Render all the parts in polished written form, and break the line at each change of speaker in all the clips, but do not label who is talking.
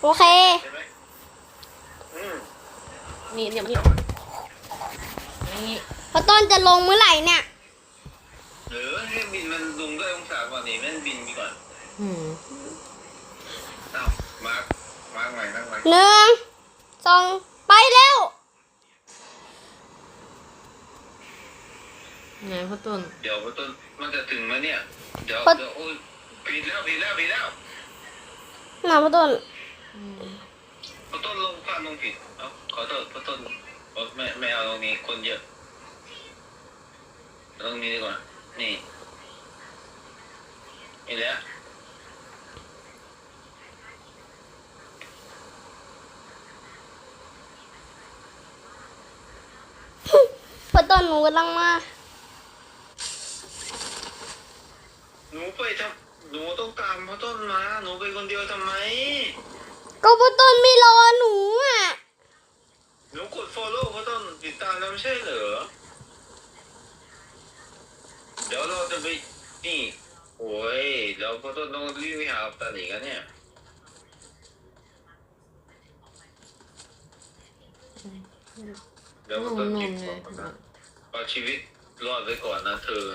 โอเค
ใช่ไหม
นี่เดี๋ยวนี่นี่
พอต้นจะลงเมื่อไหร่เนี่ย
หรือให้บินมันลงด้วยองศาก่อนนี่นั่นบินไปก่อนอ้าวมาร์คใหม่นั่งใหม่
1 2ไปเร็ว
ไงพ่อต้น
เดี๋ยวต้นมันจะถึงไหมเนี่ยเดี๋ยวโอ้ยผิดแล้ว
หนาพอต้น
ต้นลงพลาดลงผิดเอ้าขอโทษต้นไม่เอาตรงนี้คนเยอะตรงนี้ดีกว่านี่แล้ว
พอต้นหนูกำลังมา
หนูไปทำหนูต้องตามพ่อต้นมาหนูไปคนเดียวทำไม
ก็พอต้นไม่รอหนูอ่ะ
หนูกด follow พ่อต้นติดตามแล้วไม่ใช่เหรอเดี๋ยวเราจะไปนี่โอ้ยเดี๋ยวพ่อต้นต้องรีบไปหาตาหนีกันเนี่ยเดี๋ยวพ่อต้นกินก่อนนะเอาชีวิตรอดไว้ก่อนนะเธอ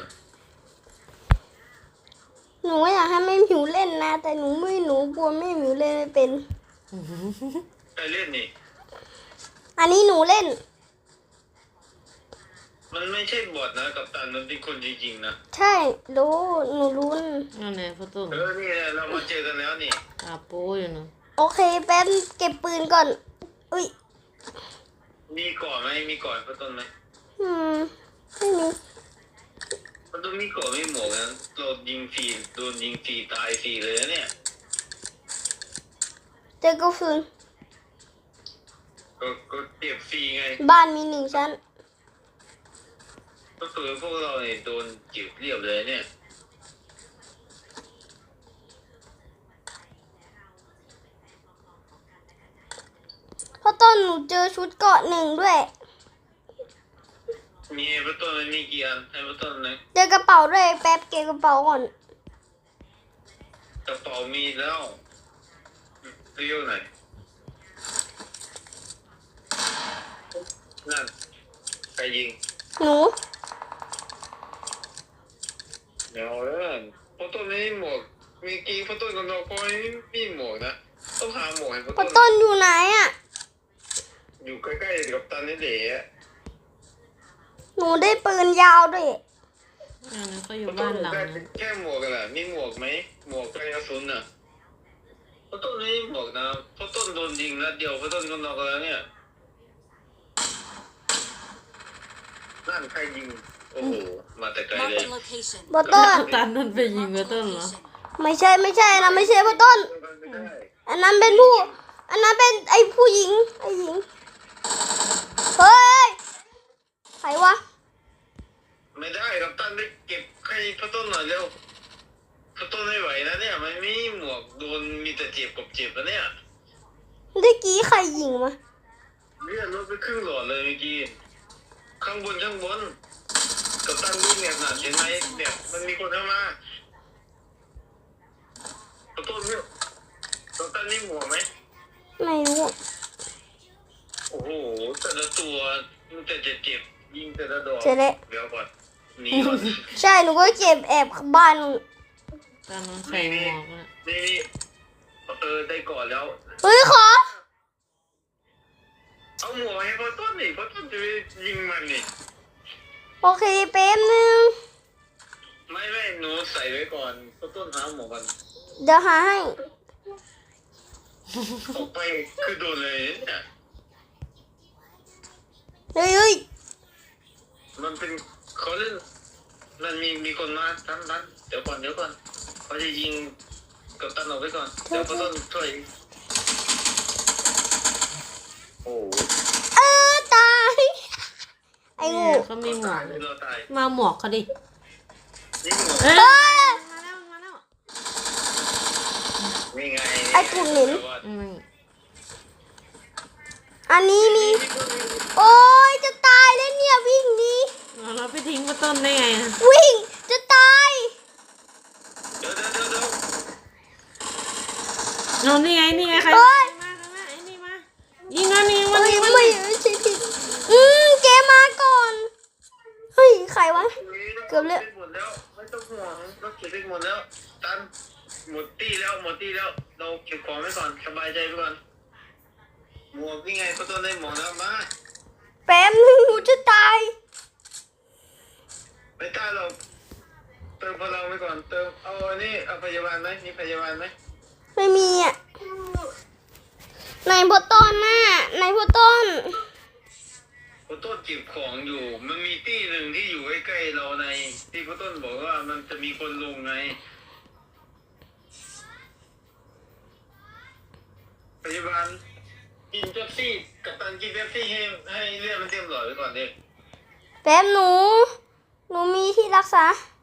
หนูอยากให้แม่หมิวเล่นนะแต่หนูกลัวแม่หมิวเล่นไม่เป็น
ใครเล่นนี่
อันนี้หนูเล่น
มันไม่ใช่บอทนะกัปตันมันเป็นคนจริงๆนะ
ใช่รู้หนูรู้
นั่นแหละพ่อต้น
นี่เรามาเจอกันแล้วนี่
โป้อยู่นะ
โอเคแป๊บเก็บปืนก่อนอุ้ย
มีก่อนไหมมีก่อนพ่อต้นไหม
ไม่มี
พ่อต้นมีก่อนไม่หมวกนะโดนยิงฟรีตายฟรีเลยนะเนี่ย
เจอกระสุน
ก็เก็บฟรีไง
บ้านมี1 ชั้น
ก็คือพวกเราเนี่ยโดนจีบเรียบเลยเนี่ย
เพราะต้นหนูเจอชุดเกราะ1ด้วย
มีพ่อต้นมันมีกี่อันให้พ่อต้นนะ
เจอกระเป๋าด้วยแป๊บเก็บกระเป๋าก่อน
กระเป๋ามีแล้วเรียวไหนนั่นใครยิง
หนู
เดี๋ยวพ่อต้นไม่มีหมวกมีกี่พ่อต้นกับเราก็ไม่มีหมวกนะต้องหาหมวกให้พ่อต้น
ต้นอยู่ไหนอ่ะ
อยู่ใกล้ๆกับตันนี่เด๋
หนูได้ปืนยาวด้วย
นั่นก็อยู่บ้านหลัง
แค่หมวกกันแหละมีหมวกไหมหมวกกันกระสุนน่ะพ่อต้นไม่มีหมวกนะพ่อต้นโดนยิงนัดเดียวพ่อต้นก็นอกแล้วเนี่ยนั่นใครยิงโอ้โหมาแต่ไกลเลย
พ่อต้น
ตันนั่นไปยิงพ่อต้นเหรอ
ไม่ใช่นะไม่ใช่พ่อต้นอันนั้นเป็นไอ้ผู้หญิงเฮ้ยใครวะ
ไม่ได้กับตันไปเก็บให้พ่อต้นหน่อยเร็วพ่อต้นไม่ไหวนะเนี่ยมันมีหมวกโดนมีแต่เจ็บกับเจ็บแล้วเนี่ย
เมื่อกี้ใครยิงมา
เลือดลดไปครึ่งหลอดเลยเมื่อกี้ข้างบนกับตันวิ่งเนี่ยนะเห็นไหมเนี่ยมันมีคนเข้ามาพ่อต้นเนี่ยกับตันนี่หมวกไหม
ไม่รู้
โอ้โหแต่ละตัวมันแต่เจ็บยิงแต่ละดอกเดี๋ยวก่อนนี่ก่อน
ใช่หนูก็เก็บแอบบ้าน
ตอนนั้นใส่หมวกอ่ะ
นี่ได้ก่อนแล้ว
เฮ้ยขอ
เอาหมวกให้พ่อต้นนี่พ่อต้นจะไปยิงมันนี่
โอเคแป๊บนึง
ไม่หนูใส่ไว้ก่อนพ่อต้นหาหมวกกัน
เดี๋ยวหาให้
ออกไปคือโดนเลยเนี่ย
เฮ้ย
มันเป็นเขาเล่นมันมีคนมาทันเดี๋ยวก่อนเขาจะยิงกับตันออกไปก่อนเดี๋ยวพ่อต้นช่วยโอ้
ตายไอ้งู
เขามีหมวกมาหมวกเขาดิ
นี่หมวก
มาแล้ว
นี่ไง
ไอ้กุ่นหนินอันนี้มีโอ้ยจะตายแล้วเนี่ยวิ่งนี้
เราไปทิ้งพ่อต้นได้ไง
วิ่งจะตาย
เดี๋ยว
นี่ไงใคร
รวะ เกือบแล้ว
หมดแล้วไม่ต้องห่วงเราเก็บไปหมดแล้วตันหมดตี้แล้วเราเก็บของไว้ก่อนสบายใจไปก่อนหมวกนี่ไงก็ต้องได้หมวกแล้วมา
แป๊บนึงหนูจะตาย
ไม่ได้เราเติมพลังไว้ก่อนเติมเอาอันนี้เอาพยาบาลไหมมีพยาบาลไหม
ไม่มีอ่ะนายพอต้นน่ะนายพอต้น
พ่อต้นเก็บของอยู่มันมีตี้หนึ่งที่อยู่ใกล้ๆเราในที่พ่อต้นบอกว่ามันจะมีคนลงไงพยาบาลกินเป๊ปซี่กัปตันกินเป๊ปซี่ให้เลือดมันเต็มหลอดไว้ก่อนดิ
แป๊บหนูมีที่รักษา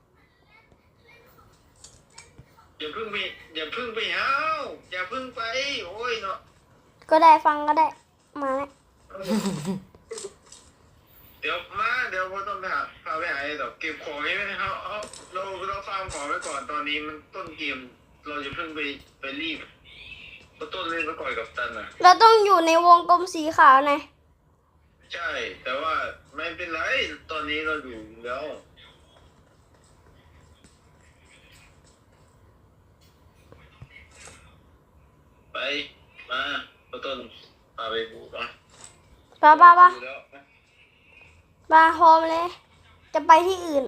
อย่าเพิ่งไปหาวอย่าเพิ่งไปโอ้ยเนาะ
ก็ได้ฟังก็ได้ มาแล้ว
เดี๋ยวพ่อต้องพาไปหาไอ้ดอกเก็บของให้ไหมเราฟาร์มของไว้ก่อนตอนนี้มันต้นเกมเราจะเพิ่งไปรีบเพราะต้นเล่นมาก่อนกับตันอ่ะ
เราต้องอยู่ในวงกลมสีขาวนะ
ใช่แต่ว่าไม่เป็นไรตอนนี้เราอยู่แล้วไปมาพ่อต้นพาไปบูก่อน
ป้า
ดูแล้ว
มาพร้อมเลย จะไปที่อื่น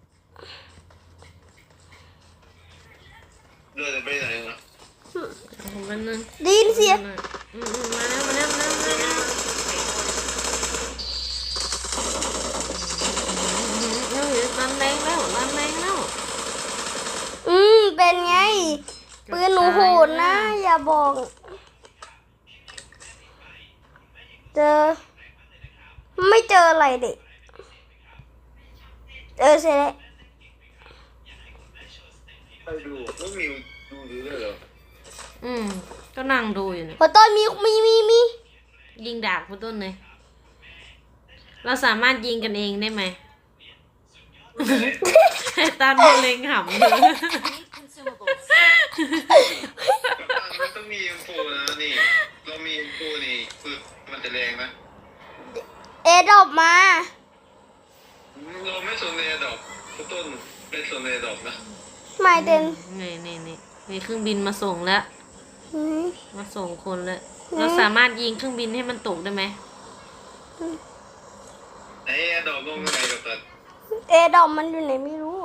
เดินไปไหนนะ
มันนึง
ได้ยินเสียง
มาแล้วรันแรงแล้ว
เป็นไง ปืนหนูโหดนะ อย่าบอก ไม่เจออะไรเด็กเสร็จแล้ว
ไปดูไม่มีดูด้วยเหรอ
ก็นั่งดูอยู่เนี่ย
พอต้นมี
ยิงดาบคุณต้นเลย เราสามารถยิงกันเองได้ไหม ไอ้ตันมันเล็งหำเลย
มันต้องมีอินโฟนะนี่เรามีอินโฟนี่คือมันจะแรงนะ
เอดอบมา
เราไม่สนเลยดอกต้นไม่สนเลยดอกนะ
ไม่เต็น
นี่เครื่องบินมาส่งแล้ว มาส่งคนแล้ว เราสามารถยิงเครื่องบินให้มันตกได้ไหม
ไอ้ดอกลงยังไงกับตัน
เอดอบมันอยู่ไหนไม่รู้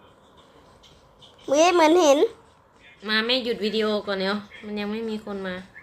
เหมือนเห็น
มาไม่หยุดวิดีโอก่อนเดี๋ยวมันยังไม่มีคนมา